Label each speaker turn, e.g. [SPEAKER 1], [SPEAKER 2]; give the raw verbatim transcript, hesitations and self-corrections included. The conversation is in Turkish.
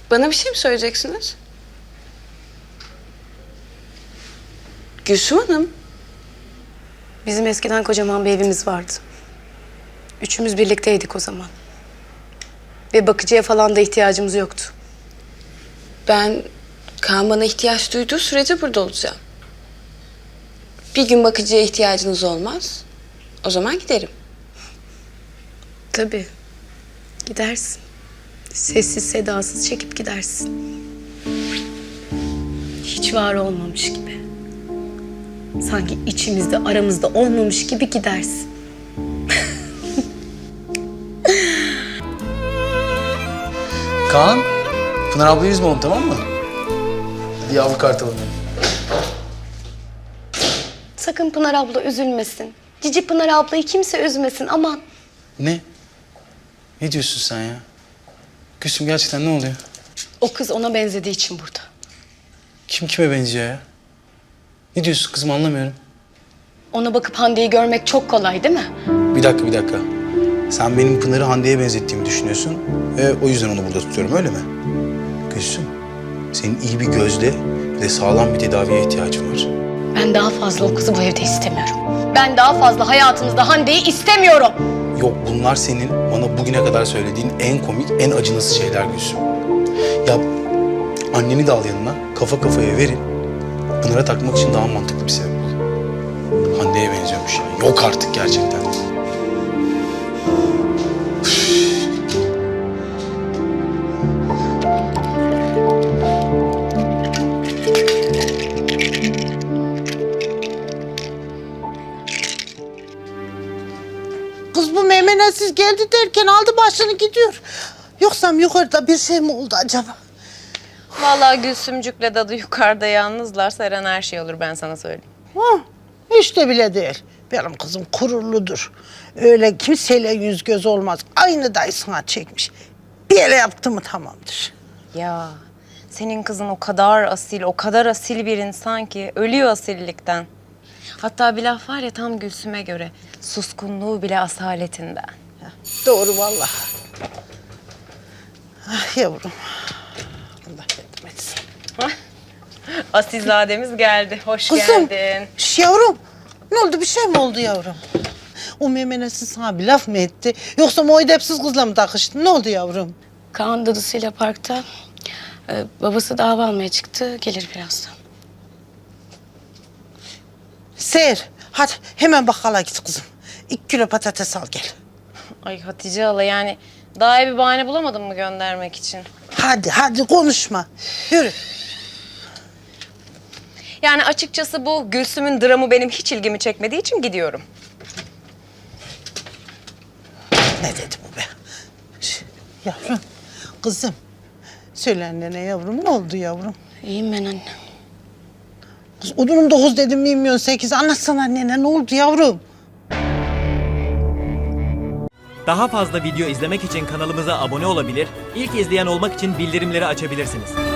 [SPEAKER 1] Bana bir şey mi söyleyeceksiniz? Gülsüm Hanım.
[SPEAKER 2] Bizim eskiden kocaman bir evimiz vardı. Üçümüz birlikteydik o zaman. Ve bakıcıya falan da ihtiyacımız yoktu.
[SPEAKER 1] Ben Kaan bana ihtiyaç duyduğu sürece burada olacağım. Bir gün bakıcıya ihtiyacınız olmaz. O zaman giderim.
[SPEAKER 2] Tabii. Gidersin. Sessiz sedasız çekip gidersin. Hiç var olmamış gibi. Sanki içimizde aramızda olmamış gibi gidersin.
[SPEAKER 3] Kaan, Pınar ablayı üzme onu, tamam mı? Hadi yavru kartalım benim.
[SPEAKER 2] Sakın Pınar abla üzülmesin. Cici Pınar ablayı kimse üzmesin, aman.
[SPEAKER 3] Ne? Ne diyorsun sen ya? Gülsüm, gerçekten ne oluyor?
[SPEAKER 2] O kız ona benzediği için burada.
[SPEAKER 3] Kim kime benziyor ya? Ne diyorsun kızım, anlamıyorum.
[SPEAKER 2] Ona bakıp Hande'yi görmek çok kolay değil mi?
[SPEAKER 3] Bir dakika, bir dakika. Sen benim Pınar'ı Hande'ye benzettiğimi düşünüyorsun ve o yüzden onu burada tutuyorum, öyle mi? Gülsüm, senin iyi bir gözle ve sağlam bir tedaviye ihtiyacın var.
[SPEAKER 2] Ben daha fazla o kızı bu evde istemiyorum. Ben daha fazla hayatımızda Hande'yi istemiyorum.
[SPEAKER 3] Yok, bunlar senin bana bugüne kadar söylediğin en komik, en acınası şeyler Gülsüm. Ya anneni de al yanına, kafa kafaya verin. Pınar'a takmak için daha mantıklı bir sebep bul. Hande'ye benziyormuş ya. Yok artık gerçekten.
[SPEAKER 4] Kız bu meymenetsiz geldi derken aldı başını gidiyor. Yoksa yukarıda bir şey mi oldu acaba?
[SPEAKER 5] Vallahi Gülsümcük'le dadı yukarıda yalnızlar. Seren her şey olur, ben sana söyleyeyim.
[SPEAKER 4] Ha, hiç de bile değil. Benim kızım gururludur. Öyle kimseyle yüz göz olmaz. Aynı dayısına çekmiş. Bir yere yaptı mı tamamdır.
[SPEAKER 5] Ya senin kızın o kadar asil, o kadar asil bir insan ki ölüyor asillikten. Hatta bir laf var ya tam Gülsüm'e göre. Suskunluğu bile asaletinden.
[SPEAKER 4] Doğru vallahi. Ah yavrum. Allah yardım etsin.
[SPEAKER 5] Asilzademiz geldi. Hoş
[SPEAKER 4] Kızım.
[SPEAKER 5] geldin.
[SPEAKER 4] Şş, yavrum. Ne oldu, bir şey mi oldu yavrum? O meymenetsiz sana bir laf mı etti? Yoksa o edepsiz kızla mı takıştın? Ne oldu yavrum?
[SPEAKER 2] Kaan dadısıyla parkta. Ee, babası da hava almaya çıktı. Gelir birazdan.
[SPEAKER 4] Seher, hadi hemen bakkala git kızım. İki kilo patates al gel.
[SPEAKER 5] Ay Hatice hala, yani daha iyi bir bahane bulamadın mı göndermek için?
[SPEAKER 4] Hadi, hadi konuşma. Yürü.
[SPEAKER 5] Yani açıkçası bu Gülsüm'ün dramı benim hiç ilgimi çekmediği için gidiyorum.
[SPEAKER 4] Ne dedi bu be? Şş, yavrum, kızım. Söyle annene yavrum, ne oldu yavrum?
[SPEAKER 2] İyiyim ben anne.
[SPEAKER 4] Kız odunum dokuz dedim, milyon sekiz. Anlatsana annene, ne oldu yavrum?
[SPEAKER 6] Daha fazla video izlemek için kanalımıza abone olabilir, ilk izleyen olmak için bildirimleri açabilirsiniz.